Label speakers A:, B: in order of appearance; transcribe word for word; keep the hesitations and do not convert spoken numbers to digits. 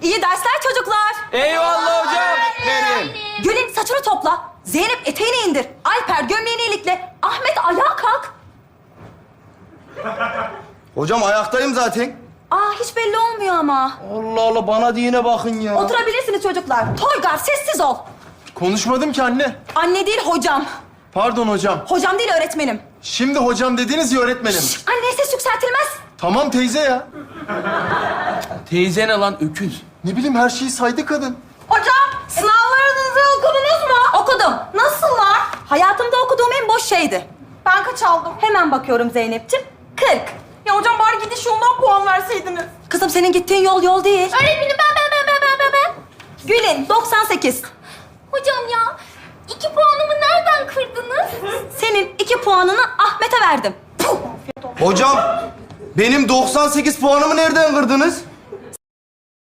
A: İyi dersler çocuklar.
B: Eyvallah hocam.
C: Benim.
A: Gül'ün saçını topla. Zeynep eteğini indir. Alper gömleğini ilikle. Ahmet ayağa kalk.
C: Hocam ayaktayım zaten.
A: Aa hiç belli olmuyor ama.
C: Allah Allah bana diyene bakın ya.
A: Oturabilirsiniz çocuklar. Toygar sessiz ol.
D: Konuşmadım ki anne.
A: Anne değil hocam.
D: Pardon hocam.
A: Hocam değil öğretmenim.
D: Şimdi hocam dediniz ya öğretmenim.
A: Anneye ses yükseltilmez.
D: Tamam teyze ya.
B: Teyze ne lan öküz?
D: Ne bileyim her şeyi saydı kadın.
A: Hocam sınavlarınızı okudunuz mu? Okudum. Nasıllar? Hayatımda okuduğum en boş şeydi. Ben kaç aldım? Hemen bakıyorum Zeynep'ciğim. kırk. Ya hocam bari gidiş yolundan puan verseydiniz. Kızım senin gittiğin yol yol değil.
E: Öğretmenim ben ben ben ben ben ben ben.
A: Gül'ün doksan sekiz.
E: Hocam ya iki puanımı nereden kırdınız?
A: Senin iki puanını Ahmet'e verdim. Puh!
C: Hocam benim doksan sekiz puanımı nereden kırdınız?